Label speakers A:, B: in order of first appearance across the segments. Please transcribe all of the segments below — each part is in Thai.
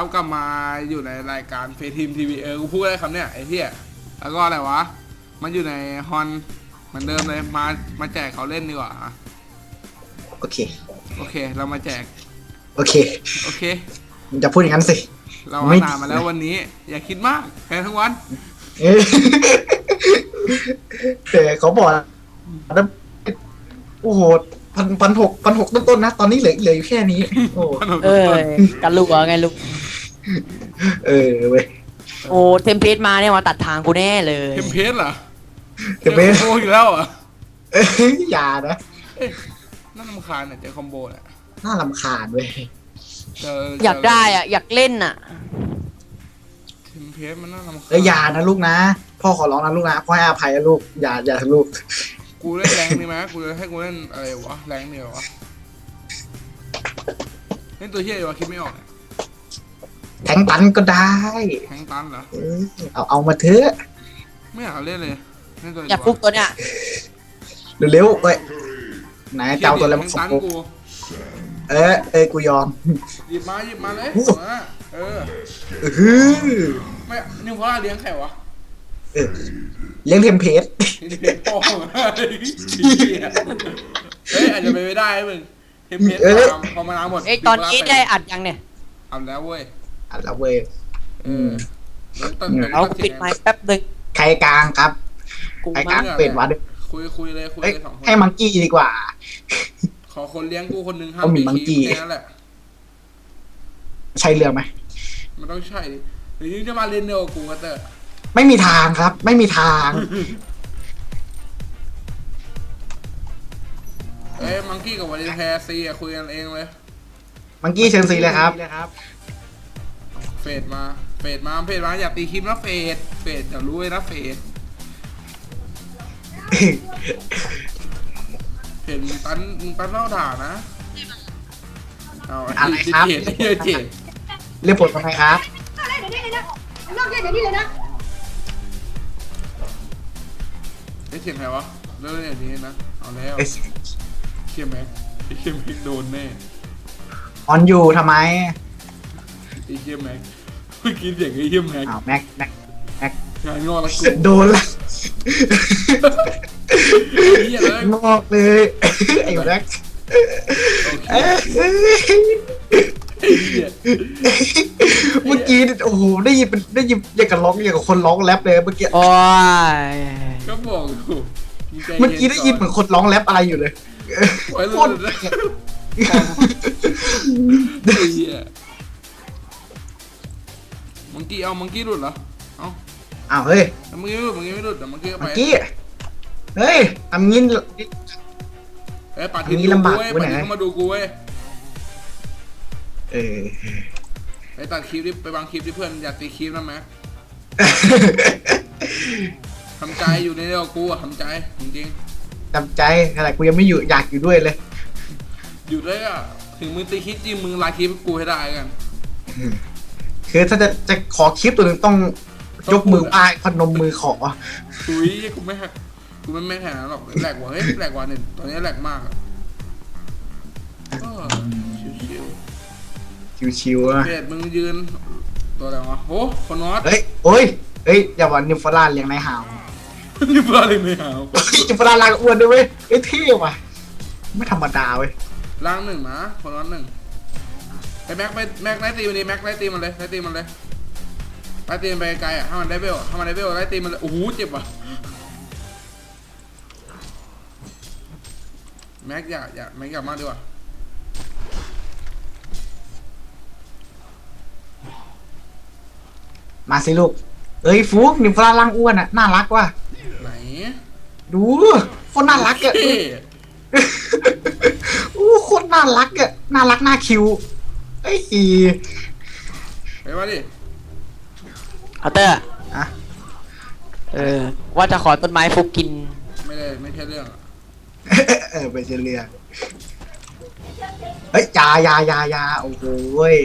A: ครับกลับมาอยู่ในรายการเฟทีมทีวีกูพูดได้คำเนี้ยไอ้เหี้ยแล้วก็อะไรวะมันอยู่ในฮอนเหมือนเดิมเลยมาแจกเขาเล่นดีกว่า
B: โอเค
A: โอเคเรามาแจก
B: โอเค
A: โอเค
B: มึงจะพูดอย่างนั้นสิ
A: เรานานมาแล้ววันนี้อย่าคิดมากแค่ทั้งวัน
B: แต่เขาบอกนะโอ้โหพันหกต้นๆนะตอนนี้เหลืออยู่แค่นี้โอ้
C: กันลูกเหรอไงลูก
B: เว้ย
C: โอ้เทมเพลตมาเนี่ยมาตัดทางกูแน่เลย
A: เทมเพลตเหรอ
B: เทมเพลต
A: โอ้อยู่แล้วเหรอ
B: อย่านะ
A: น่ารำคาญเนี่ยเจอคอมโบเนี่ย
B: น่ารำคาญเว้ย
C: อยากได้อ่ะอยากเล่นอ่ะ
A: เทมเพลตมันน่ารำคาญ
B: อย่านะลูกนะพ่อขอร้องนะลูกนะพ่อให้อภัยนะลูกอย่าลูก
A: กูเล่นแรงดีไหมกูจะให้กูเล่นอะไรวะแรงเดียววะเล่นตัวเฮียวะคิดไม่ออกเนี่ย
B: แทงตันก็ได้
A: แทงตันเหรอ
B: เอามาเถอะ
A: ไม่อยากเล่นเลย
C: อยากฟุกตัวเนี้ย
B: เร็วๆเว้ยไหนเจ้าตัวอะไรมาฟุกกูกูยอม
A: หยิบมาเลยไม่นิวพอเลี้ยงแข่วะ
B: เลี้ยงเทมเพส
A: พ่อเฮ้ยอาจจะไปไม่ได้มึงเทมเพสพอมานาหมด
C: ตอนนี้ได้อัดยังเนี่ย
A: อัดแล้วเว้ย
C: เอาปิดไมค์แป๊บนึง
B: ใครกลางครับใครกลางเป็ดวัด
A: คุยเลยสองคน
B: ให้มังกี้ดีกว่า
A: ขอคนเลี้ยงกูคนนึงห้ามตีคีแค่นั้นแหละ
B: ใช่เรื่องไหม
A: มันต้องใช่หรือจะมาเล่นเดียวกูก็เตอร์
B: ไม่มีทางครับไม่มีทาง
A: มังกี้กับวาเลนแทซีคุยกันเองเลย
B: มังกี้เชิญซีเลยครับ
A: เฟดมาอย่าตีคิมนะเฟดอย่ารู้เลยนะเฟดเห็นตันเล่าด่านะเอา
B: อะไรครับเรียกผลทำไมครับ
A: นอกเรื่องอย่างนี้เลยนะเสียงใครวะเรื่องอย่างนี้นะเอาแล้วเชี่ยแม็กโดนแน่
B: ออนอยู่ทำไม
A: ไอ้เชี่ยแม็กเมื่อกี้เสียงไอ้เชี่ยแม็ก
B: แม็ก
A: งานงอละกู
B: โดนละงอกเลยไอ้แม็กเมื่อกี้โอ้โหได้ยินอย่างกับร้องอย่างกับคนร้องแรปเลยเมื่อกี้
C: โอ้ย
A: ก็บอก
B: เมื่อกี้ได้ยินเหมือนคนร้องแรปอะไรอยู่เลยโคตร
A: มังกี้หลุดเหรอ
B: อ้าวเฮ้ย
A: มังกี้ไม่หลุดแต่มังกี้ก็ไป
B: เฮ้ยทำงี้
A: ปัดทีลำบากเว้ยปัดทีเข้ามาดูกูเว้ยไปตัดคลิปดิไปวางคลิปดิเพื่อนอย่าตีคลิปนะแม็กทำใจอยู่ในเรื่องกูอะทำใจจริง
B: ๆทำใจอะไรกูยังไม่อยู่อยากอยู่ด้วยเลย
A: อยู่ด้วยอะถึงมึงตีคลิปจริงมึงไลน์คลิปกูให้ได้กัน
B: คือถ้าจะขอคลิปตัวหนึ่งต้องยกมือไหว้พนมมือขอ
A: อุ้ยกูไม่แหกหรอกแหลกว่ะเฮ้ยแหลกว่ะเนี่ยตอนนี้แหลกมากอะ
B: ชิวๆอะ
A: เด็ดมึงยืนตัวอะไรวะโอ้คนนอต
B: เฮ้ยอย่าบอกนิวฟลาเลี้ยงในหาว
A: นิวฟลาเลี้ยงในหาว
B: นิวฟลาลางอ้วนด้วยเว้ยเท่ว่ะไม่ธรรมดาเว้ย
A: ล่างหนึ่งนะคนนอตหนึ่งไอ้แม็กไล่ตีมันดิแม็กไล่ตีมันเลยไล่ตีมันไปไกลอ่ะให้มันได้เบลไล่ตีมันเลยโอ้โหเจ็บว่ะแม็กอย่าแม็กอย่ามากดีกว่า
B: มาสิลูกฟุกนิวฟลาล่างอ้วนอ่ะน่ารักว่ะ
A: ไหน
B: ดูคนน่ารักอ่ะคนน่ารักอ่ะน่ารักน่าคิว
A: ไปมาดิ
C: เอาเตอร์ว่าจะขอต้นไม้ฟุกกิน
A: ไม่ใช่เรื่อง
B: ไปเฉลี่ยเฮ้ยยาโอ้โห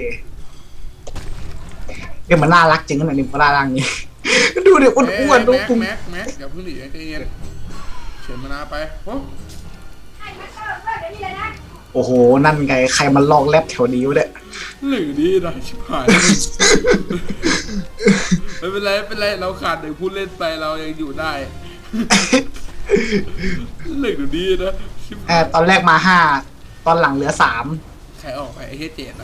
B: มันน่ารักจริงขนาดนี้ปลาล่างนี้ดูดิอ้วนดู
A: ปุ้มแม็กอย่าเพิ่งหนีใจเย็นเฉินมานาไป
B: โอ้โหนั่นไงใครมันลอกแลบแถวนี้วะเนี่ย
A: หรือดีนะชิบหายไม่เป็นไรไม่เป็นไรเราขาดหนึ่งผู้เล่นไปเรายังอยู่ได้หรือดีนะชิบหาย
B: ตอนแรกมา5ตอนหลังเหลือ3
A: ใครออกไปไอ้เหี้ยเจดอะ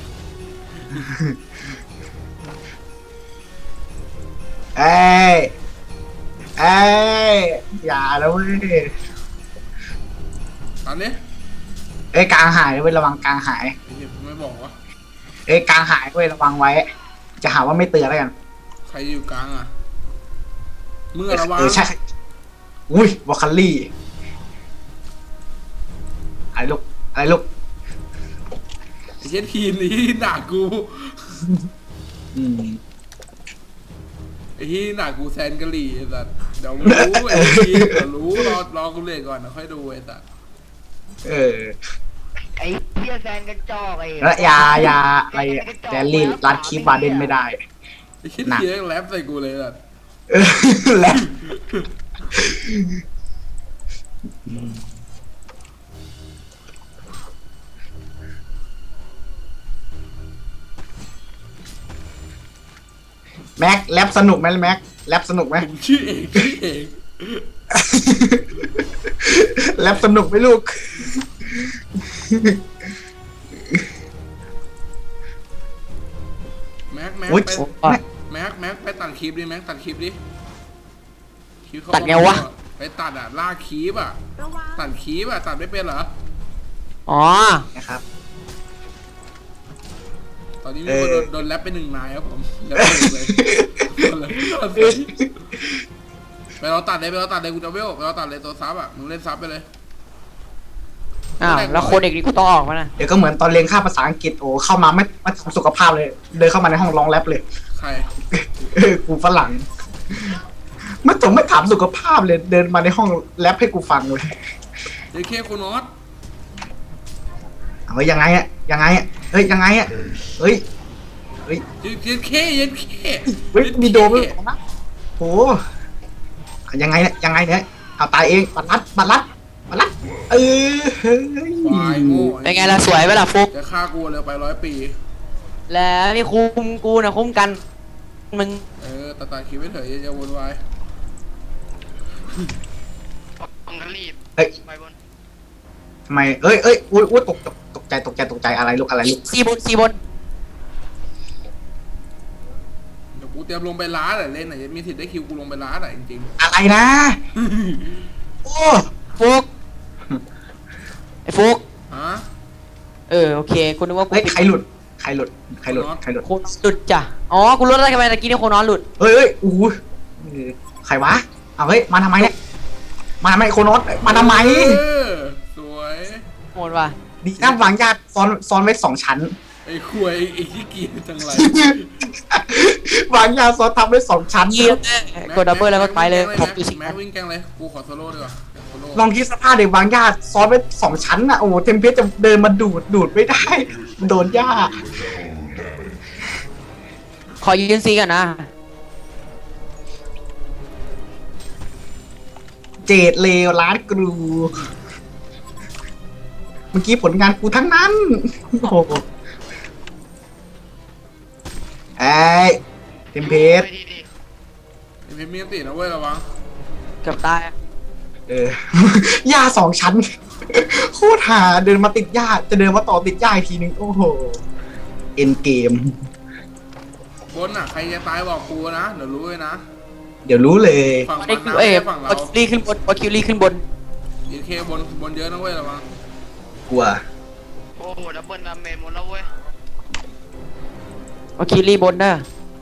B: เอ้ยเอ้ยอย่าแล้วเว้ย
A: ตอนนี้
B: เอ้ยกลางหายเว้ยระวังกลางหาย
A: ไอ้เหี้ยไม่บอกวะ
B: เอ้ยกลางหายเว้ยระวังไว้ จะหาว่าไม่เตือนแล้วกัน
A: ใครอยู่กลางอ่ะมึงอะระวัง
B: ใช่อุ้ยวอลคัลลี่อะไรลูกอะไรลูก
A: ไอ้เหี้ยทีมนี้ด่ากู
B: อืม
A: ไอ้ที่หนากูแซนกะหรี่ไอ้สัสเดี๋ยวรู้ไอ้ทีมเดี๋ยวรู้รอกูเล่นก่อนนะค่อยดูไอ้สัส
B: เออ
D: ไอ้เพี้ยแซนกระจอกไอ้
B: แล้วยาอะไรแจลลี่รัดคีบบาเดนไม่ได้
A: ไอ้ที่ทีแรปใส่กูเลยสัส
B: เออแล้วแม็กแรปสนุกไหมแม็กแรปสนุกไหม
A: ผมชื่อเอง
B: แรปสนุกไหมลูก
A: แม็ก
B: โอ๊ย
A: ไปแม็กไปตัดคลิปดิแม็กตัดคลิปดิคลิปเขา
C: ตัดไงวะ
A: ไปตัดอ่ะลากคลิปอ่ะตัดคลิปอ่ะตัดไม่เป็นเหรอ
C: อ๋อ
B: นะครับ
A: ตอนนี้มีคนโดนแรปไป1 นายครับผมแรปไปเลยไปเราตัดเลยกูจะเวลไปเราตัดเลยตัวซับอ่ะมึงเล่นซับไปเลย
C: อ้าวแล้วโคนเด็กนี่กูต้องออกมานะ
B: เดี๋ยวก็เหมือนตอนเรียนค่าภาษาอังกฤษโอ้เข้ามาไม่ทำสุขภาพเลย เดินเข้ามาในห้องร้องแรปเลย
A: ใคร
B: กูฝรั่งไม่ถามสุขภาพเลย เดินมาในห้องแรปให้กูฟังเลย
A: เจเคโคนอส
B: เอาไว้ยังไงอะยังไงอะเฮ้ยยังไงอะเฮ้ยเฮ้ย
A: เจเค
B: เฮ้ยมีโดมด้วยนะโหยังไงเนี่ยยังไงเนี่ยเอาตายเองบัตรลัดเออเฮ้ย
A: ควายโง่
C: เป็นไงล่ะสวยไหมล่ะฟุก
A: จะฆ่ากูเลยไป100 ปี
C: แล้วนี่คุมกูนะคุ้มกันมึง
A: ตัดคลิปไม่เถอะอย่าวนวาย
D: ต้องกันรีบ
B: เฮ้ย
D: ไปบน
B: ทำไมเอ้ยอุ้ยตกใจอะไรลูกอะไรลูก
C: ซีบน
A: เดี๋ยวกูเตรียมลงไปล้าแหละเล่นไหนมีสิทธิ์ได้คิวกูลงไปล้าแหละจริง
B: อะไรนะ โอ้
C: ฟุกไอ้ฟุก
A: ๆฮะ
C: โอเคกูนึกว่ากู
B: เฮ้ย
C: ปิด
B: ใครหลุดใครหลุด
C: โคนหลุดจ้ะอ๋อกูรู้แล้วทำไมตะกี้นี่โคนนอนหลุด
B: เฮ้ยอู้ใครวะเอาเฮ้ยมาทำไมเนี่ยมาทำไมโคโนสมาทำไม
A: สวย
C: โหดว่ะ
B: ดีนะวางญาติซ้อนไว้2 ชั้น
A: ไอ้ควยไอ้ที่กีจังไร
B: วางญาติซ้อนทำไว้2 ชั้น
C: เยี่ยมกดดับเบิลแล้วก็ไปเลยผมอยู่สิ
A: แม็กวิ่งแกงเลยกูขอโซโล่ดีกว่าโซโล่
B: ลองคิดสภาพเด็กวางญาติซ้อนไว้2 ชั้นน่ะโอ้โหเทมเพสจะเดินมาดูดไม่ได้ โดนญาติ
C: ขอยืนซีกันนะ
B: เจดเลวร้านกรูเมื่อกี้ผลงานกูทั้งนั้นโอ้โหไอ้เทมเพส
D: ไปดี
A: ไอ้พิมพ์มีอันตินะเว้ยระวัง
C: เกือบตาย
B: หญ้า2 ชั้น โคตรหาเดินมาติดหญ้าจะเดินมาต่อติดหญ้าอีกทีนึง โอ้โห เอ็นเกม
A: บนอ่ะใครจะตายบอกกูนะเดี๋ยวรู้เลยนะ
B: เดี๋ยวรู้เลย
A: ฝั่ง
C: ได้
A: มัน
C: คิว
A: นะไม่ใช่ฝั่งเรา
C: วคิวรี่ขึ้นบนวคิวรี่ขึ้นบน
A: ยีเคบนเยอะนะเว้ยระวัง
B: กลัว
D: ๆโอ้โหดับเบิลดาเมจหมดแล้วเว้ยว
C: คิวรี่บนเด้อ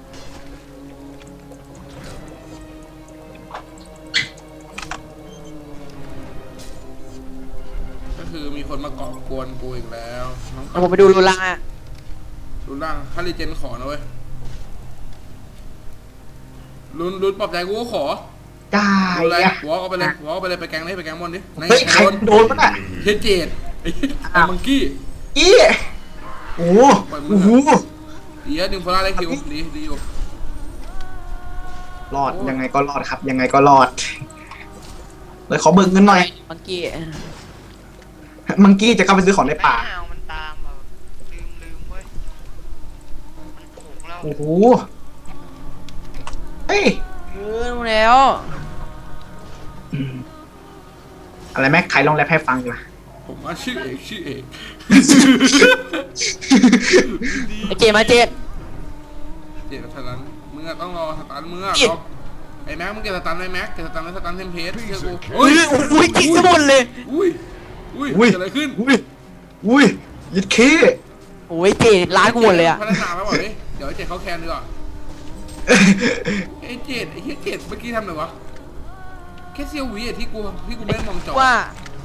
A: ก็คือมีคนมาก่อกวนกูอีกแล้วน้อง
C: เดี๋ยวผมไปดูรูล่างอ่ะ
A: รุนล่างถ้ารีเจนขอนะเว้ยรุนปลอบใจกูก็ขอ
B: ได้
A: ดูอะไร
B: อะ
A: วอล์กเอาไปเลยวอล์กเอาไปเลยไปแกงเลยไปแกงบนดิใน
B: เฮ้ย ใคร
A: โดน
B: โดนปะน่ะ
A: เฮดเจดไอ้มังกี้
B: อีโอ้โห
A: ดีอะดึงโฟล่าได้คิวดีอยู่
B: รอดยังไงก็รอดครับ ยังไงก็รอด เลยขอเบิกเงินหน่อย
C: มังกี้
B: มังกี้จะเข้าไปซื้อของในป่า
D: ไม่เอามันตามแบบลืมเว้ย
B: โอ้โหเฮ้ย
C: รู้แล้ว
B: อะไรแม็กใครลองแรปให้ฟังดีกว่า
A: ผมว่าชื่อเอกชื่อเอก
C: ไอเจมาเจด
A: เจ็ดสตันมึงอะต้องรอสตันมึงอะ
C: เจ็ด
A: รอไอ้แม็กมึงเก็บสตันไว้แม็กเก็บสตันไว้สตันเทมเพลตเชื่อกู
C: อุ้ยอุ้ยจิกทั้งหมดเลย
A: อุ้ยอุ้ย
B: อุ้ย
A: เกิดอะไรขึ้น
B: อุ้ยยิดเค
C: โอ้ยเจดร้านกูหมดเลยอะ
A: พัฒนาแล้วบอกดิเดี๋ยวไอ้เจ็ดเขาแคนดีกว่าไอ้เจ็ดไอ้เหี้ยเจ็ดเมื่อกี้ทำอะไรวะแค่เซียวหวีอะที่กูไม่ได้มองจอ
C: ว่า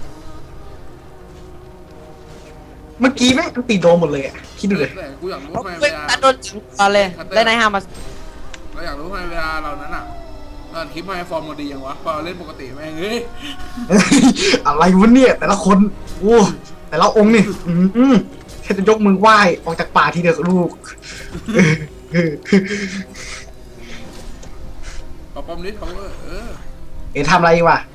B: เมื่อกี้แม่งตีโดนหมดเลยอ่ะคิดดูเลย
A: แต่กูอยากรู้
C: เพราะ
A: ทำไม
C: เว้
A: เวย ลา
C: ตัดโดนตอนเลยแล้วนายห้ามมา
A: เราอยากรู้ทำไมเวลาเรานั้นอะเราคลิปมาให้ฟอร์มเราดียังวะพอเราเล่นปกติแม่งเฮ้ย
B: อะไรวะเนี่ยแต่ละคนโอ้แต่ละองค์นี่แค่จะยกมือไหว้ออกจากป่าทีเดียวกับลูก
A: ปอมนิดเขา
B: เอ๋ทำอะไรวะ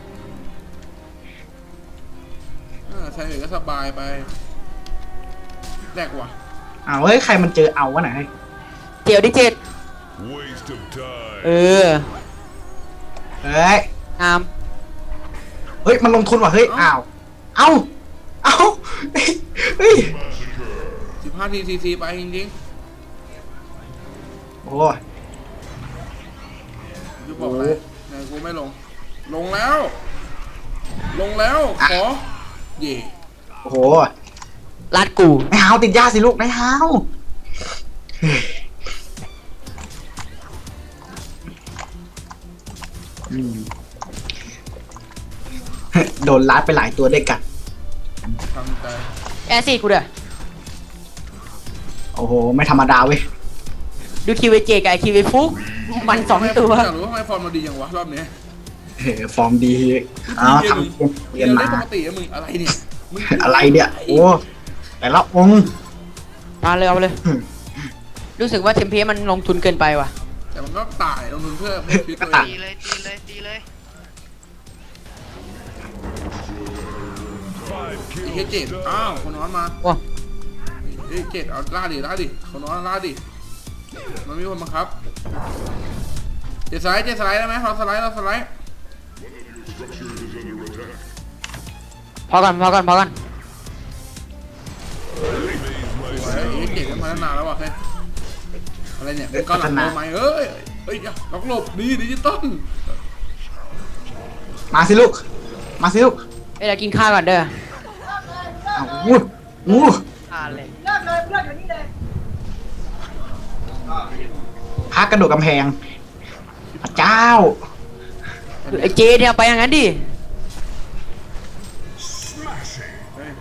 A: ใช้เอกก็สบายไปแรกว่ะ
B: อ้าวเฮ้ยใครมันเจอเอาวะไหน
C: เจียวดิเจด
E: Waste of time.
C: เออ
B: เฮ้ย
C: งาม
B: เฮ้ยมันลงทุนว่ะเฮ้ยอ้าวเอ้าเฮ้ย
A: 15 ทีไปจริง
B: โอ้
A: ๆจะบอกอะไรไหนกูไม่ลงแล้ว ขอเย่
B: โอ้โห
C: รัดกู
B: นายฮาวติดยาสิลูกนายฮาวโดนลัดไปหลายตัวด้วยกัน
A: ทำใจ
C: แอซี่กูเด้อ
B: โอ้โหไม่ธรรมดาเว้ย
C: ดูคิวไอเจกับไอคิวไอฟุกมันสองตัว
A: อยากรู้ทำไมฟอร์มเราดีอย่างวะรอบนี้
B: ฟอร์มดีอ้าวทำเรียน
A: เล่
B: มาน
A: ปกติอะมึงอะไรเนี่ยมึง
B: อะไรเนี่ยโอ้แต่ละองค์
C: มาเลยเอาเลย รู้สึกว่าเทมเพมันลงทุนเกินไปว่ะ
A: แต่มันก็ตายลงทุนเพื่อชีวิตตัวเอ
D: ตี
A: ง
D: เลยตีเลย
E: Five
A: ไอ้เหี้ย
E: kills
A: เจ็ด
E: done.
A: อ้าวคนนอนมา
C: ว้า
A: เฮ้ยเจ็ดเอาล่าดิคนนอนล่าดิมันมีคนบังคับเจ็ดสไลด์ได้ไหมเราสไลด์
C: พอกัน
A: สวยไอ้เจ็ดกันมาตั้งนานแล้วว่ะเฮ้ยอะไรเนี่ยมึงก็หลังโดนไหมเอ้ยล็อกหลบดีดิจิตอล
B: มาสิลูกมาสิลูก
C: เอ้ยเดี๋ยวกินข้าวก่อนเด้อ
B: อ้าวอู้
C: ข้าวเลย
B: พักกระโดดกำแพงพระเจ้า
C: ไอเจเนี่ยไปอย่างนั้นดิ
A: เฮ้ย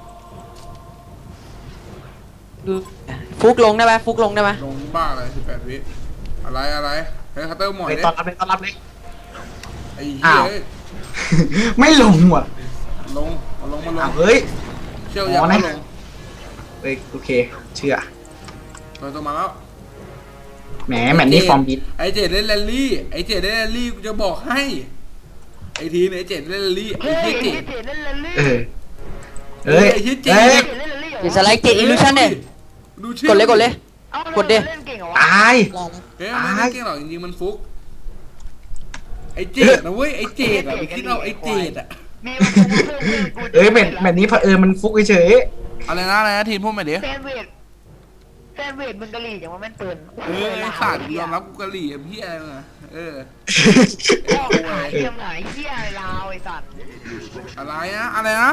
C: ดูฟุกลงได้ไหมฟุกลงได้ไหม
A: ลงบ้าอะไร18 วิอะไรเฮ้ยคัตเตอร์หมอย
B: ไป
A: ดิ
B: ต้อนรับเลย
A: ไอ้เหี้ย
B: อ้าว ไม่ลงว่ะ
A: ลงมาลง
B: อ้าวเฮ้ย
A: เชี่ยวยัง
B: อ๋อ
A: ไม่
B: นะ
A: ลง
B: เฮ้ยโอเคเชื่อ
A: ตัวมาแล้ว
B: แหมแมตช์นี้ฟอร์มดี
A: ไอเจ็ดเล่นแรลลี่กูจะบอกให้ไอทีนไอเจ็ดเล่นแรลลี่ไอ
D: เฮ้ย
A: เหี้ย
D: เจ
A: เจ็ด
D: เล่นแรลลี่
B: เออเอ้ย
A: ไอ้เหี้ยเจ๋
B: เอ้ย
D: เล่นแรลลี่
C: เดี๋ยวสไลด์เจอิลูชันเนี่ย
A: ดูชื่อก
C: ดเลย
D: เอา
C: กดดิ
D: เล่นเก่งเหรอวะ
B: ตาย
A: เฮ้ยมันไม่ได้เก่งหรอกจริงๆมันฟุกไอเจ็ดนะเว้ยไอเจ็ดอะไปคิดเอาไอเจ็ดอะ
D: มีมันเพื่อนกู
B: เอ้ยแมตช์นี้เผอิญมันฟุกเฉย
A: อะไรนะทีนพูดมาดิ
D: แซนเวทมึงกะหรี่อย่างว่าแม่นปืน
A: ไอสัตว์ยอมรับกูกะหรี่พี่อะไรมึงอะ
B: ๆ
D: พ่อหายเทียมหายเหี้ยลาวไอ้สัตว์
A: อะไรนะ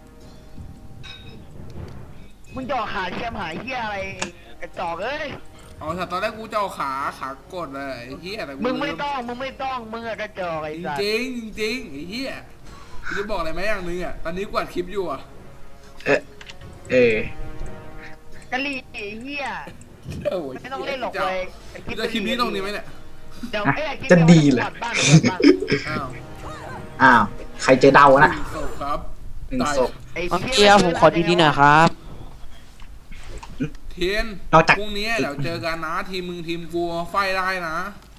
D: มึงจ่อขาเทียมหายเหี้ยอะไรกระจอกเอ้ย
A: อ๋อแต่ตอนแรกกูจะเอาขากดเลยไอ้เหี้ยแต่กู
D: มึงไม่ต้องมึงอะกระจอกไอ้สัตว์
A: จริงไอ้เหี้ยกูจะบอกอะไรไหมอย่างนึงอะตอนนี้กูอัดคลิปอยู่อะ
B: เออก
D: ะหรี่ไอ้เหี้ย
A: โอ้ย
D: ไม่ต้องเล่นหรอกเลย
A: กูจะคลิปนี้ตรงนี้ไหมเนี่ย
D: เดี๋ยว
B: จะดีเลย
D: บ้าน
A: อ้าว
B: อ้าวใครเจอเดานะ
A: ศพครับ
B: หนึ่ง
A: ตาย
B: ศพ
D: ไอ้
C: น้อง
D: หี้
C: เกียร์ผมขอดีๆหน่อยครับ
A: เทียน
B: นอกจาก
A: พรุ่งนี้เดี๋ยวเจอกันนะทีมมึงทีมกูไฟได้นะ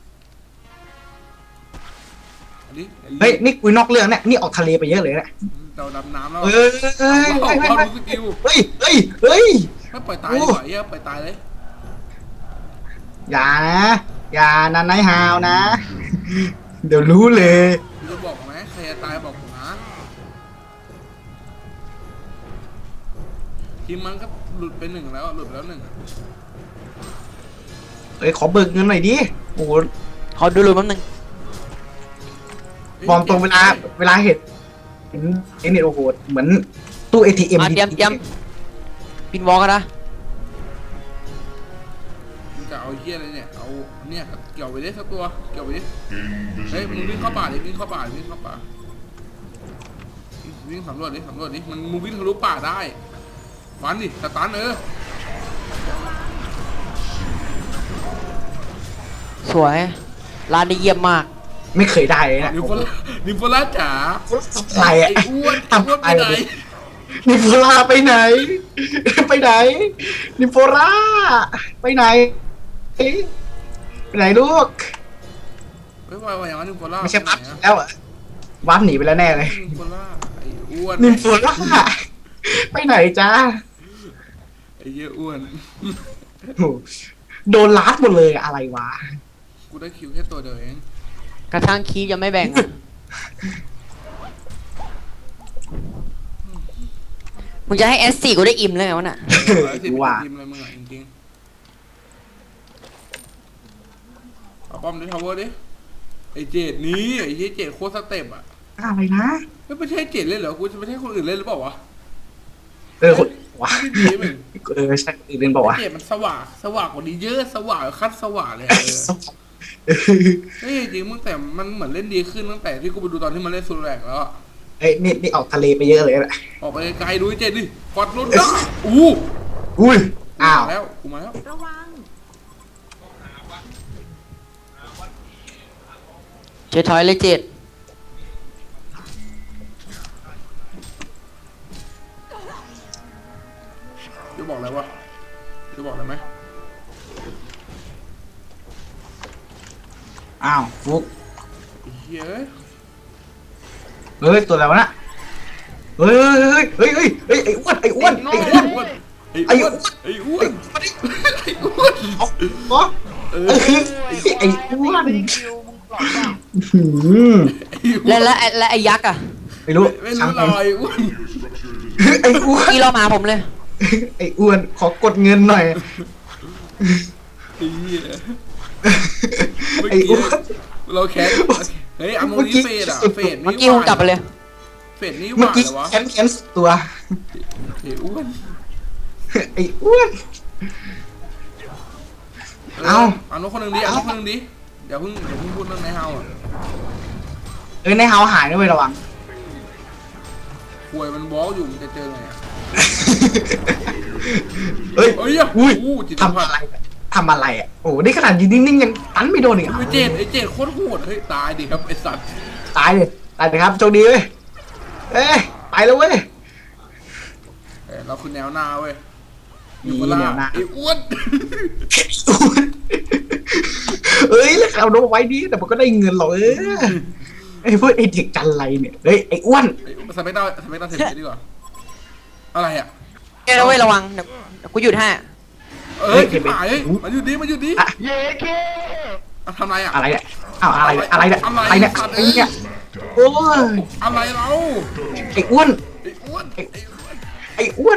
A: อันนี้
B: เฮ้ยนี่คุยนอกเรื่องเนี่ยนี่ออกทะเลไปเยอะเลยเนี่ย
A: เราดำน้ำแล้ว
B: เฮ้ยเฮ้ย
A: เราดูสกิล
B: เฮ้ยเฮ้ยเฮ้ย
A: ไม่ปล่อยตายดีกว่าเหี้ยปล่อยตายเลย
B: อย่านะอย่านันไนฮาวนะ เดี๋ยวรู้เลย
A: กูจะบอกไหมใครจะตายบอกผมนะทีมมันก็หลุดไปหนึ่งแล้วหลุดไปแล้วหนึ่ง
B: เอ้ยขอเบิกเงินหน่อยดิโอ้โห
C: ขอดูรูปแป๊บนึง
B: มองตรงเวลาเห็นเนี่ยโอ้โหเหมือนตู้ ATM
C: เตรียมปินวอลกันนะ
A: มึงจะเอาเหี้ยอะไรเนี่ยเอาเนี่ยเกี่ยวไปดิสักตัวเกี่ยวไปดิเฮ้ยมึงวิ่งเข้าป่าดิวิ่งเข้าป่าวิ่งเข้าป่าวิ่งสำรวจดิมันมึงวิ่งทะลุป่าได้ฟันดิสตัน
C: สวยร้านนี้เยี่ยมมาก
B: ไม่เคยได้เลยนะ
A: นิโคล่าจ๋า
B: อะไร
A: ไอ้
B: อะ
A: อ้วน
B: ทำ
A: อ้วน
B: อะ
A: ไป
B: ไร
A: ไหน
B: นิโพล่าไปไหน ไปไหนนิโพล่าไปไหนไปไหนลูก
A: ไม่ไหวอย่างนั้นนิโคล่า
B: ไม่ใช่วับแล้วอะวับหนีไปแล้วแน่เลย
A: นิโคล่าไอ้อ้วน
B: นิโพล่าไปไหนจ้า
A: ไอ้เหี้ยอ้วน
B: โหโดนลัดหมดเลยอะไรวะ
A: กูได้คิวแค่ตัวเดียวเอง
C: กระทั่งคีบยังไม่แบ่งอะ มึงจะให้ S4 กูได้อิ่มเลยไงวะน่ะ
A: 10
B: ว่า
A: ทีมอะไรมึงอ่ะจริงๆเอาป้อมดิทาวเวอร์ดิไอ้เจดนี้ไอ้เหี้ยเจดโคตรสเต็ปอ่ะ
B: อะไรนะ
A: ไม่ใช่เจดเล่นเหรอกูจะไม่ใช่คนอื่นเล่นหรือเปล่าวะ
B: คนวะ
A: ไม่ดีมึง
B: ใช่อื่นเป็นบอกว่า
A: ไอ้เจดมันสว่างกว่านี้เยอะสว่างคัดสว่างเลยอะเฮ้ยจริงมึงแต่มันเหมือนเล่นดีขึ้นตั้งแต่ที่กูไปดูตอนที่มันเล่นซูแรกแล้วอะ
B: เอ้ยนี่ออกทะเลไปเยอะเลยนะ
A: ออกไปไกลๆดูไอ้เจดดิกอดรถได้อู้
B: อุ้ยอ้าว
A: แล้วกูมาแล้ว
F: ระวัง
C: เจถอยเลยเจ็ด
A: จะบอกอะไรวะจะบอกอะไรไหม
B: อ้าวฟุก
A: ไอ้เหี้ยเอ้ย
B: เฮ้ยตัวอะไรวะน่ะเฮ้ยไอ้อ้วนไอ้อ้วน
A: ไอ้อ้วนไอ้อ้วนไอ้อ้วนไอ้อ้วน
B: เอาเหรอ
A: เออ
B: ไอ้อ้วน
D: ไม่ได้คิวมึงหลอกเปล่า
B: หืม
C: และไอ้ยักษ์อะ
B: ไม่รู้
A: ไม่
B: ช่าง
A: รู้
B: มัน
A: ลอยอ้วน
B: ไอ้อ้วน
C: กี่เรามาผมเลย
B: ไอ้อ้วนขอกดเงินหน่อย
A: ไอ้เหี้ยเมื่อ
B: ไอ้
A: กี้
B: อ้วน
A: เราแคสเฮ้ยอัมโมนี้เฟดอะเฟด
C: เมื่อ
A: นี่
C: กี้ผมกลับไปเลย
A: เฟดนี่ห
B: เมื่อ
A: วาน
B: กี้
A: เลยวะ
B: แค้นสุดตัว
A: ไอ้อ้วน
B: ไอ้อ้วน เอา
A: เอาน้องคนหนึ่งดิเอาน้องคนหนึ่งดิอย่าเพิ่งพูดเรื่องในเฮาอ่ะ
B: ในเฮาหายด้วยระวัง
A: ป่วยมันบอลอยู่มันจะเจอไงอ่ะ
B: เฮ้ย
A: เอ้ยอ่ะ
B: อุ้ย
A: อู้จิต
B: ทำ
A: พั
B: อะ
A: ฒ
B: ไรทำอะไรอ่ะโอ้นี่ขนาดยืนนิ่งๆยังตันไม่โดนอีกอ่ะ
A: ไอ้เจดโคตรโหดเฮ้ยตายดิครับไอ้สัตว์
B: ตายเลยครับโชคดีเว้ยเอ้ยไปแล้วเว้ย
A: เราคือแนวหน้าเว้ย
B: มี
A: อยู่เวลา
B: แนวหน้า
A: ไอ้อ้วน
B: เอ้ยแล้วเอาโน้ตไว้ดีแต่มันก็ได้เงินหรอกไอ้พวกไอ้เด็กจันไรเนี่ยเฮ้ยไอ้อ้วน
A: สเปกเตอร์เทปดีกว่าอะไรอ่ะ
C: เจ้าเว้ยระวังเดี๋ยวกูหยุดให้
A: เอ้ยชิบหายเฮ้ยมันหยุดดิ
B: อะ
D: เย้เค
A: ทำไรอ่ะ
B: อะไรเนี่ยอ้าวอะไรเนี่ยอะไรเนี่ยไอ้เนี่ยโอ้ย
A: อะไรเรา
B: ไอ้อ้วน
A: ไอ้อ้วน
B: ไอ้อ้วน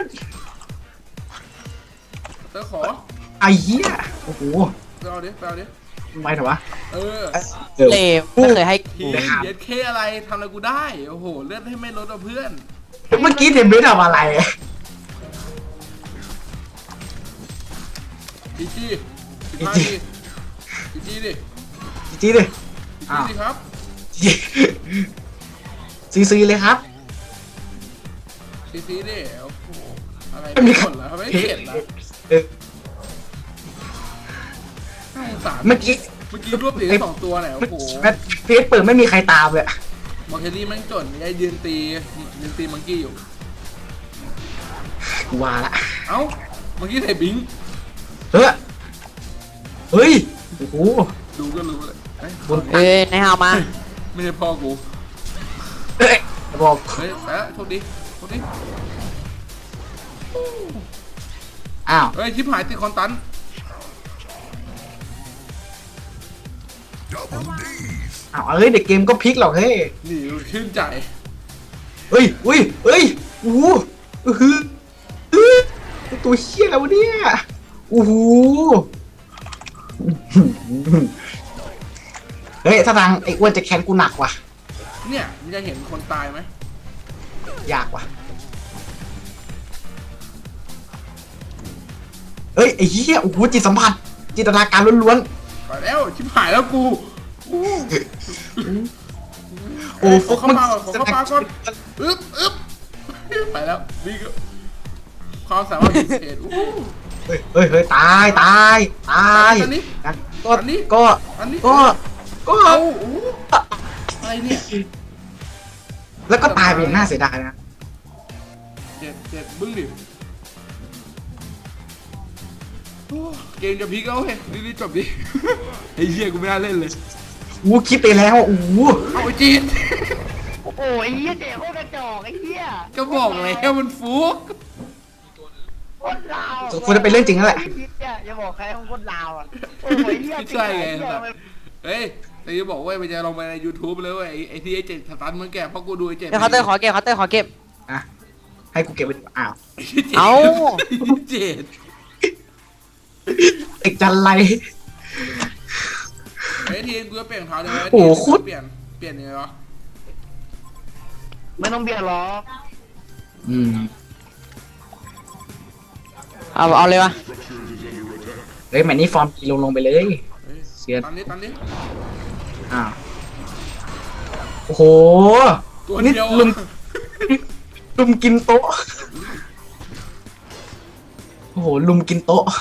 A: เธอขอ
B: ไอ้เหี้ยโอ้โห
A: ไปเอาดิ
B: ไม่เถอะวะ
A: เออ
C: เลวไม่เคยให้
A: ทีเย็ดเคอะไรทำอะไรกูได้โอ้โหเลือดให้ไม่ลดเพื่อน
B: เมื่อกี้เทมเบสทำอะไร
A: จีจีจีจีดิ
B: จีดิอ้าว
A: จีครับ
B: ซีเลยครับ
A: จีจีดิโอ้โหอะไร
B: ไม่มี
A: หมดแล้วไม่เข็ดแล้ว
B: เออ
A: น่าสงสาร
B: เมื่อกี้
A: รวบเหรียญ2ตัวเนี่ยโอ้โห
B: เฟซเปิดไม่มีใครตามเลย
A: มอร์เทลลี่แม่งจนยายยืนตีมังกี้อยู่
B: กูว่าละ
A: เอ้ามังกี้ใส่บิง
B: เฮ้ยโอ้โห
A: ดูก็รู้เลยเฮ้ย
C: ในฮาวมา
A: ไม่ใช่พ่อกู
B: เอ้ยบอก
A: เฮ้ยแต่โชคดี
B: อ้าว
A: เฮ้ยชิบหายติดคอนตัน
B: อ้าวเอ้ยเด็กเกมก็พลิกหรอกเฮ้ย
A: นี่ชื่นใจ
B: เฮ้ยอุ้ยเฮ้ยโอ้โหอื้อหือตัวเชี่ยแล้ววะเนี่ยโอ้โหเฮ้ยถ้าทางไอ้อ้วนจะแค้นกูหนักว่ะ
A: เนี่ยมึงจะเห็นคนตายไหม
B: ยากว่ะเฮ้ยไอ้เหี้ยโอ้โหจิตสัมผัสจินตนาการล้วน
A: ไปแล้วชิบหายแล้วกูอู้
B: ๆโอ้
A: ขอเข้ามาก่อนขอเข้ามาก่อนอึ๊บไปแล้วนี่ก็ความสามารถพิเศษอู้
B: เฮ้ยเฮ้ยเฮ้ยตายตายตาย
A: อันนี้
B: นะ
A: อันนี้
B: ก็
A: อันนี้
B: ก็ก็
A: เอาอู้อะไรเนี่ย
B: แล้วก็ตายไปอย่างน่าเสียดายนะ
A: เจ็ดบึ้งดิโอ้เกมจะพีกแล้วเฮ้ยรีบจบดิไอ้เหี้ยกูไม่น่าเล่นเลย
B: อู้คิดไปแล้วอู้
A: เอาไอ้จีน
D: โอ้โหไอ้เหี้ยเจ๋โคตรกระจอกไอ้เหี้ย
A: ก็บอกแล้วมันฟุก
D: โคตรลาว
B: ควรจะเป็นเรื่องจริงนั่นแหละ
D: ไอ้เหี้ยอย่าบอกใครของโคตรลาวอ่ะโอ้โหไอ้เหี้ย
A: ไม่ใช่ไง
D: เหี้ย
A: สัตว์เฮ้ยแต่จะบอกว่ามันจะลงไปใน YouTube เลยเว้ยไอ้ที่ไอ้เจ็ดสตันมันแก่เพราะกูดูไอ้เจ็ด
C: เดี๋ยวเคาน์เตอร์ขอเก็บเคาน์เตอร์ขอเก็บ
B: อ่ะให้กูเก็บไว้ดีกว่าอ้าว
C: เอ้า
A: เจ็ด
B: ไอ้จันไร
A: ไอ้ทีมกูจะเปลี่ยนรองเท้าเลย
B: โอ้โหโคตร
A: เปลี่ยนยังไงวะ
D: ไม่ต้องเบียดหรอก
B: อืม
C: เอาเลยวะ
B: เฮ้ยแมนนี่ฟอร์มกีลงไปเลย
A: เฮ้ย
B: เสีย
A: ตันนี้
B: อ้าวโอ้โห
A: ตัว
B: นี่
A: เดียว
B: ลุมลุมกินโต๊ะโอ้โหลุมกินโต๊ะ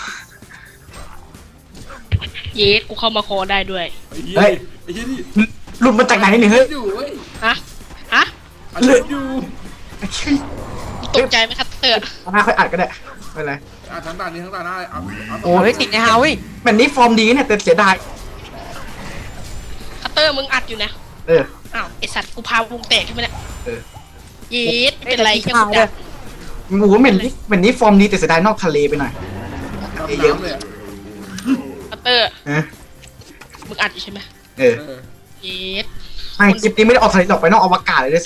F: เยสกูเข้ามาคอได้ด้วย
A: ไอ้เหี้ยนี่
B: ลุมมาจากไหนเนี่ยเฮ้ย
A: อยู่เว้ย
F: ฮะ ฮะ
A: อันนี้อยู่
F: ตกใจไหมครับเตอร์
B: เอาหน้าค่อยอัดก็ได้ไม่เป็นไร
A: ทั้งตานี้ทั้งตาหน้าเอา
B: โอ้
C: เฮ้ยติดในฮาเว้ย
B: แมนนี่ฟอร์มดีเนี่ยแต่เสียดาย
F: คัตเตอร์มึงอัดอยู่นะ
B: เออ
F: อ้าวไอสัตว์กูพาวงแตกใช่ไหมเนี่ย
B: เออ
F: เยสไม่เป็นไรแค่
C: ข้า
F: กู
C: วเล
F: ดั
C: ย
F: ก
B: โอ้โหแมนนี่ฟอร์มดีแต่เสียดายนอกทะเลไปหน่อย
A: เยอะเลย
F: คัตเตอร์
B: เออ
F: มึงอัดอยู่ใช่ไหม
B: เออ
F: เยส
B: ไม่คลิปนี้ไม่ได้ออกทะเลหรอกไปนอกอวกาศเลยด้วยซ้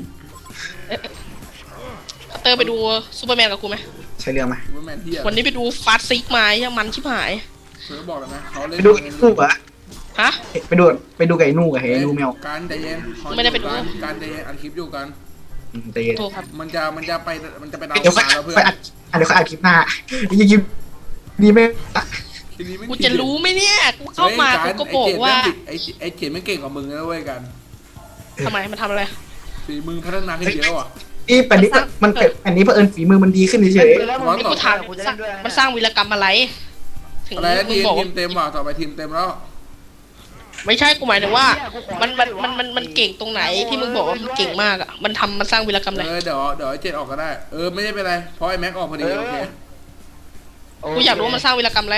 F: คัตเตอร์ไปดูซูเปอร์แมนกับกูไหม
B: ำใช่เรื่องไหม
A: แมนเฮีย
F: วันนี้ไปดูฟาสซิกมายังมันชิบหาย
A: เสือบอกแล้วนะเขาเล่น
B: ไปดูไอ้นู่เหรอ
F: ฮะ
B: ไปดูกับไอ้นู่กับไอ้นู่แมว
A: การใจเย็น
F: ไม่ได้ไปดู
A: การใจเย็นอัดคลิปอยู่กัน
B: ใจเย็น
F: โทษครับ
A: มันจะไปตาม
B: เดี๋ยวค่อย
A: แล้วเพื่อน
B: อัดเดี๋ยวค่อยอัดคลิปหน้ายังยิ้มดีไหม
A: ทีนี้ไม่
F: กูจะรู้ไหมเนี่ย กูเข้ามากูก็บอกว่า
A: ไอ้เจ็ดไม่เก่งกว่ามึงนะเว้ยกัน
F: ทำไมมันทำอะไร
A: ฝีมือพัฒนาขึ้นเยอะว่ะ
B: นี่แต่นี้มันเป็นอันนี้เผอิญฝีมือมันดีขึ้นเฉย
D: แล้วมึง
F: นี่กูถาม
D: กูจะเล่นด้วย
F: มันสร้างวีรกรรมอะไร ถึง
A: อะไรนะ
F: มึ
A: ที
F: ง
A: ม
F: บอก
A: ทีมเต็มว่ะต่อไปทีมเต็มแล้ว
F: ไม่ใช่กูหมายถึงว่า มันเก่งตรงไหนที่มึงบอกว่ามันเก่งมากอ่ะ มันสร้างวีรกรรมอะไร
A: เดี๋ยวไอ้เจ็ดออกก็ได้ไม่ได้เป็นไรเพราะไอ้แม็กออกพอดีโอเค
F: กูอยากรู้ว่ามันสร้างวีรกรรมอะไร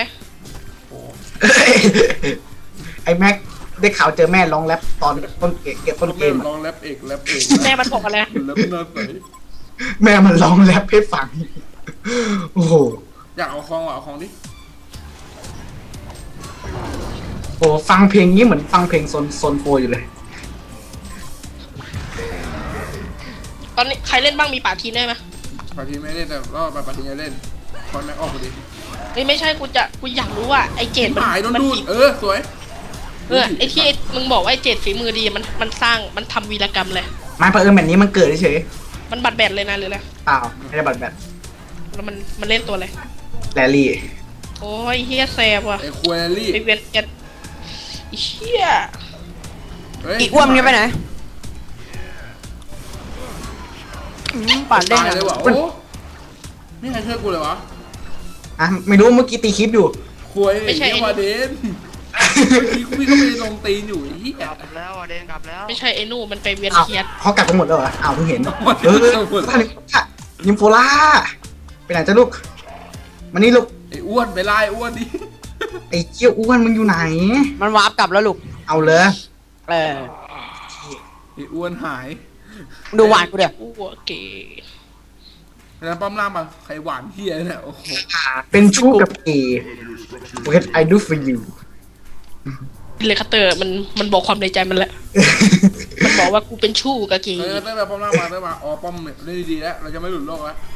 B: ๆไอ้แม็กได้ข่าวเจอแม่ร้องแรปตอนต้นเกม
A: ลองแรปเอก
F: แม่มันบอกอะไร
A: แรปน่าใส
B: แม่มันร้องแรปให้ฟังโอ้โห
A: อยากเอาคลองว่ะเอาคลองดิ
B: โอ้ฟังเพลงนี้เหมือนฟังเพลงโซนโฟอยู่เลย
F: ตอนนี้ใครเล่นบ้างมีป่าทีนได้ไหม
A: ปาทีไม่เล่นแต่รอบปาทีจะเล่นคอนแม็กออกพอดี
F: เฮ้ยไม่ใช่กูอยากรู้ว่าไอ้เจด
A: หายโดน
F: มั
A: ดูด
F: ฝี
A: สวย
F: ไอ้ที่มึงบอกว่าไอ้เจดฝีมือดีมันทำวีรกรรมเลย
B: มาเผอิญแบบนี้มันเกิดเฉย
F: มันบัดแบดเลยนะหรืออะไร
B: ๆเปล่าไม่ได้บัตรแบบ
F: แล้วมันเล่นตัวอะไร
B: แรลลี่
F: โอ้ยเฮียแซบว่ะ
A: ไอ้ควอรี่
F: ไปเวียนกันไอ้เฮีย
C: อีกอ้วนมันจะไปไหนปั่นเล่น
A: ตาย
C: อ่ะ
A: เลยว่ะโอ้ไม่ใครช่วยกูเลยวะ
B: อ่ะไม่รู้เมื่อกี้ตีคลิปอยู่
A: ควยไอ้เหี้ยวาเดนพี่ก็ไปลงตีนอยู่ไอ้เหี้ย
D: กลับแล้วอ่ะเดนกลับแล้ว
F: ไม่ใช่ไอ้นู่มันไปเวียน
B: อ้าว
F: เทียด
B: เขากลับกันหมดแล้วเหรออ้าวเพิ่งเห็นท่านยิมโฟล่าไปไหนจ้าลูกมานี่ลูก
A: ไอ้อ้วนไปไล่อ้วนดิ
B: ไอ้เกี้ยวอ้วนมึงอยู่ไหน
C: มันวาร์ปกลับแล้วลูก
B: เอาเลย
C: เออ
A: ไอ้อ้วนหาย
C: ดูหวานกูเดี๋ยว
F: กูหัวเก๋
A: แล้วป้อมล่างมาใครหวานเหี้ยเนี่ยโอ้โห
B: เป็นชู้กับเกย์ What I do for you
F: เลยคัตเตอร์มันบอกความในใจมันแหละ มันบอกว่ากูเป็นชู้กับกี
A: เต้แบบป้อมล่างมาเต้มาอ๋อป้อมเล่นดีๆแล้วเราจะไม่หลุดโลกแล้ว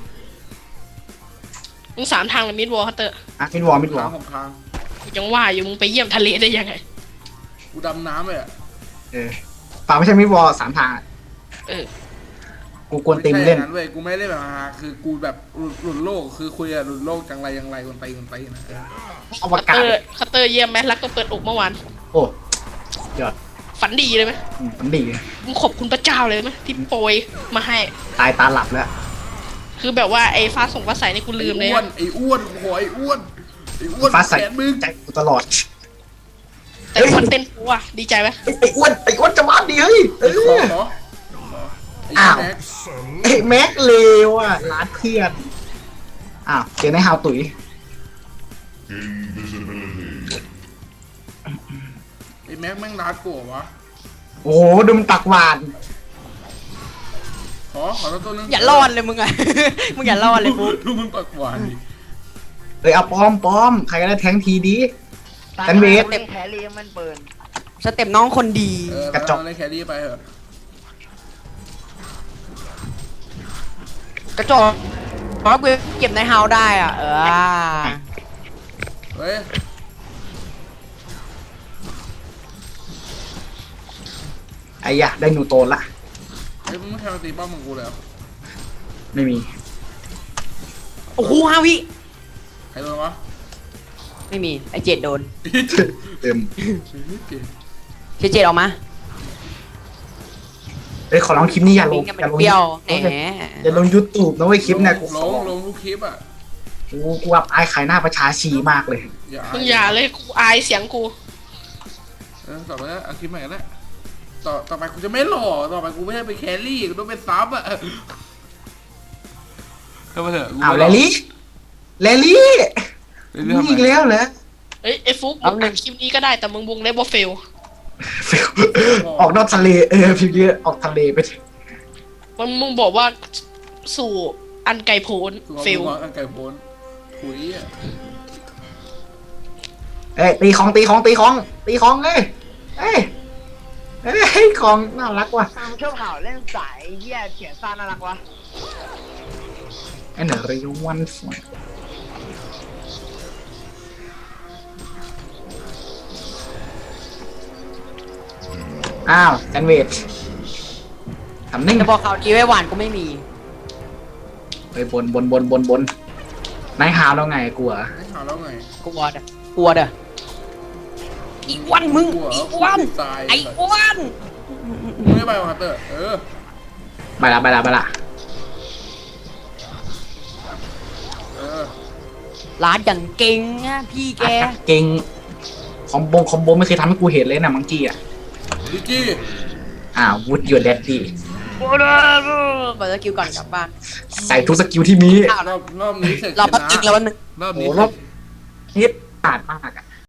F: มึง3 ทางเลยมิดวอลคัตเตอร์
B: อ่ะมิดวอลมิดวอ
A: ทา
B: ล
A: งของทาง
F: ยังว่าอยู่มึงไปเยี่ยมทะเลได้ยังไง
A: กูดำน้ำเลยอ่ะ
B: ป่าไม่ใช่มิดวอล3 ทางอะ
F: เออ
B: กูกวน
A: ไม่
B: ตีม
A: ใช่อ
B: เล่น
A: ย่างนั้นเว้ยกูไม่ได้แบบคือกูแบบหลุดโลกคือคุยอะหลุดโลกจังไรคนไปนะ
B: อวกาศ
F: คัตเตอร์เยี่ยมไหมรักต้องเปิดอกเมื่อวาน
B: โอ้ยอด
F: ฝันดีเลยไหม
B: มันดีเลย
F: มึงขอบคุณพระเจ้าเลยไหมที่โปรยมาให้
B: ตายตาหลับแล้ว
F: คือแบบว่าไอ้ฟ้าส่งฟ้าใสนี่กูลืมเลย
A: ไอ้อ้วนโอ้ยไอ้อ้วน
B: ฟ้าใส
A: แขนมึง
B: ใจกูตลอด
F: แต่คอนเทนต์กูอะดีใจไหม
B: ไอ้อ้วนจะมาดีเฮ้ย
A: ไอ้ขอไอ้
B: อ้าว
A: แม็ก
B: ไอ้แม็กเลวอ่ะร้านเพื่อนอ้าวเจอในฮาวตุ๋ย
E: Invisibility.
A: ไอ้แม็กแม่งร้านกูวะ
B: โอ้โหดูมันตักหวาน
A: ขอตัวนึง
C: อย่ารอดเลยมึงอะ มึงอย่ารอดเลยปุ๊บ
A: ดูมึงปักหวานดิ
B: เอาป้อมใครก็ได้แทงทีดี แซนด์วิช
D: แครี่มันเปิด
C: สเต็ปน้องคนดี
B: กระจก
A: เลยแครี่ไปเถอะ
C: กระจอกเพราะกูเก็บในเฮาได้อ่ะ
A: เฮ้ย
B: ไอ้ยะได้นูโตนละ
A: มึงไม่แค่มาตีป้อมของกูเลยเหรอ
B: ไม่มี
C: โอ้โห5 วิ
A: ใครโดนวะ
C: ไม่มีไอเจดโดน
B: เต็ม
C: เจดออกมา
B: เอ้ยขอลองคลิปนี้อย่าล
C: วิ่
B: ง
C: งกัน
B: อย่า
C: เป็น
B: ลง
C: เปรี้ยวแหม
B: อย่าลงยูทูบนะเว้ยคลิปเนี่ยกู
A: ลงทุกคลิปอ่ะ
B: กูอับอายขายหน้าประชาชีมากเลย
F: มึงอย่าเลยกูอายเสียงกู
A: ต่อไปแล้วเอาคลิปใหม่กันแล้วต่อไปกูจะไม่หล่อต่อไปกูไม่ให้ไปแครี่กูต้องเป็นซับอ่ะก็มาเถอะ
B: อ้าวแลลี่มึงอีกแล้วเหรอ
F: เอ้ยไอ้ฟุกมึงอัดคลิปนี้ก็ได้แต่มึงวงเล็บว่าเฟล
B: ออกนอกทะเลพิมพ์เยอะออกทะเลไป
F: มึงบอกว่าสู่อันไกลโพ้นเฟล
A: อันไก่โพนถุยอ่ะ
B: เอ้ยตีของเอ้ยของน่ารักว่ะ
D: ตามชอบข่าวเล่นสายเหี้ยเขียนซ่าน่ารักวะ
B: ไอ้เหนือริวันฝนอ้าวแซนด์วิชทำนิ่ง
C: จะบอกข่าวดีไว้หวานกูไม่มี
B: ไปบนนายฮาวแล้วไงกลัว
A: ให้ข่าวแล้วไง
C: กลัวเด้ออีอ้วนมึงอีอ้วน
A: ตาย
C: ไอ้อ้วน
A: มึงไม่ไปวะเตอร์
B: ไปละ
C: ร้านอย่างเก่งนะพี่แก
B: เก่งคอมโบไม่เคยทำให้กูเห็นเลยนะมังกี้อ่ะ
A: ดิจี้
B: วูดยูเดดดี้
C: เปิดสกิลก่อนกลับบ้าน
B: ใส่ทุกสกิลที่มี
C: อ้าว
A: รอบนี้เสร็จ
C: เราแป๊บนึง
A: รอบนี้
B: โอ้รอบฮิตขาดมากอ่ะ